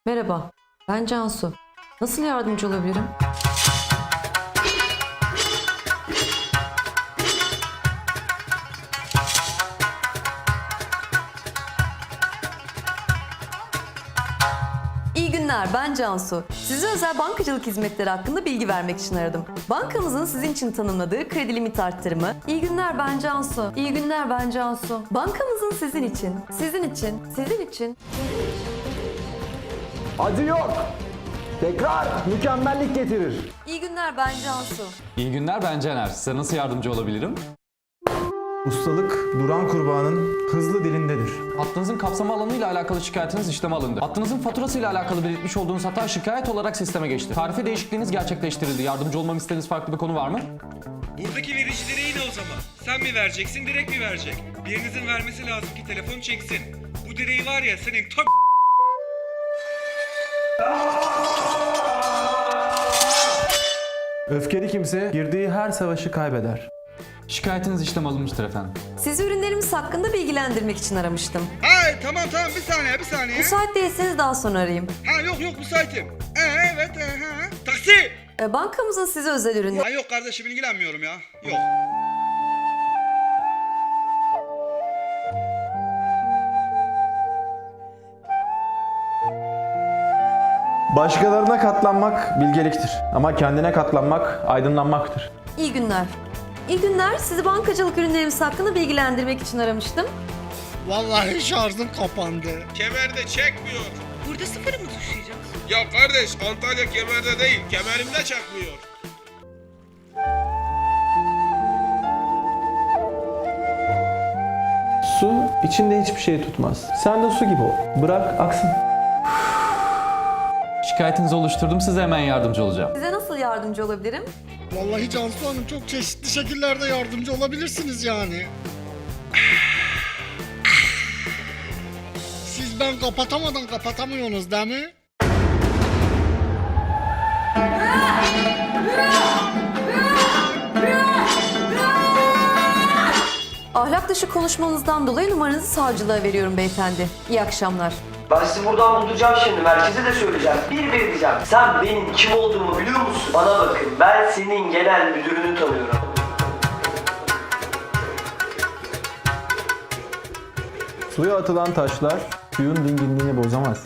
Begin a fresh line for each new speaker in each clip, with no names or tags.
Merhaba, ben Cansu. Nasıl yardımcı olabilirim? İyi günler, ben Cansu. Size özel bankacılık hizmetleri hakkında bilgi vermek için aradım. Bankamızın sizin için tanımladığı kredi limit arttırımı... İyi günler, ben Cansu. İyi günler, ben Cansu. Bankamızın sizin için...
Acı yok. Tekrar mükemmellik getirir.
İyi günler, ben Cansu.
İyi günler, ben Caner. Size nasıl yardımcı olabilirim?
Ustalık duran kurbağanın hızlı dilindedir.
Hattınızın kapsama alanıyla alakalı şikayetiniz işleme alındı. Hattınızın faturasıyla alakalı belirtmiş olduğunuz hata şikayet olarak sisteme geçti. Tarife değişikliğiniz gerçekleştirildi. Yardımcı olmamı istediğiniz farklı bir konu var mı?
Buradaki verici direği ne o zaman? Sen mi vereceksin, direkt mi verecek? Birinizin vermesi lazım ki telefon çeksin. Bu direği var ya senin
Öfkeli kimse girdiği her savaşı kaybeder.
Şikayetiniz işlem alınmıştır efendim.
Sizi ürünlerimiz hakkında bilgilendirmek için aramıştım.
Hay tamam bir saniye.
Müsait değilseniz daha sonra arayayım.
Ha yok müsaitim. Evet ha. Taksi!
Bankamızın size özel ürünleri...
Ha yok kardeşim ilgilenmiyorum ya. Yok.
Başkalarına katlanmak bilgeliktir. Ama kendine katlanmak aydınlanmaktır.
İyi günler. İyi günler. Sizi bankacılık ürünlerimiz hakkında bilgilendirmek için aramıştım.
Vallahi şarjım kapandı.
Kemerde çekmiyor.
Burada sıfırı mı tuşlayacaksın?
Ya kardeş Antalya kemerde değil, kemerimde çekmiyor.
Su içinde hiçbir şey tutmaz. Sen de su gibi ol. Bırak aksın.
Şikayetinizi oluşturdum. Size hemen yardımcı olacağım.
Size nasıl yardımcı olabilirim?
Vallahi Cansu Hanım çok çeşitli şekillerde yardımcı olabilirsiniz yani. Siz ben kapatamadan kapatamıyorsunuz değil mi?
Ahlak dışı konuşmanızdan dolayı numaranızı savcılığa veriyorum beyefendi. İyi akşamlar.
Ben sizi buradan bulduracağım şimdi. Merkeze de söyleyeceğim. Bir diyeceğim. Sen benim kim olduğumu biliyor musun? Bana bakın. Ben senin genel müdürünü tanıyorum.
Suya atılan taşlar suyun dinginliğini bozamaz.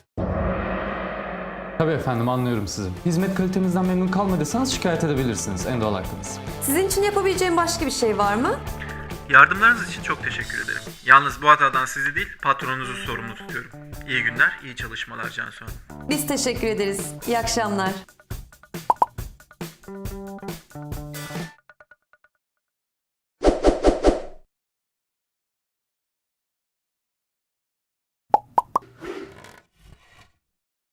Tabii efendim, anlıyorum sizi. Hizmet kalitemizden memnun kalmadıysanız şikayet edebilirsiniz. En doğal hakkınız.
Sizin için yapabileceğim başka bir şey var mı?
Yardımlarınız için çok teşekkür ederim. Yalnız bu hatadan sizi değil, patronunuzu sorumlu tutuyorum. İyi günler, iyi çalışmalar Cansu Hanım.
Biz teşekkür ederiz. İyi akşamlar.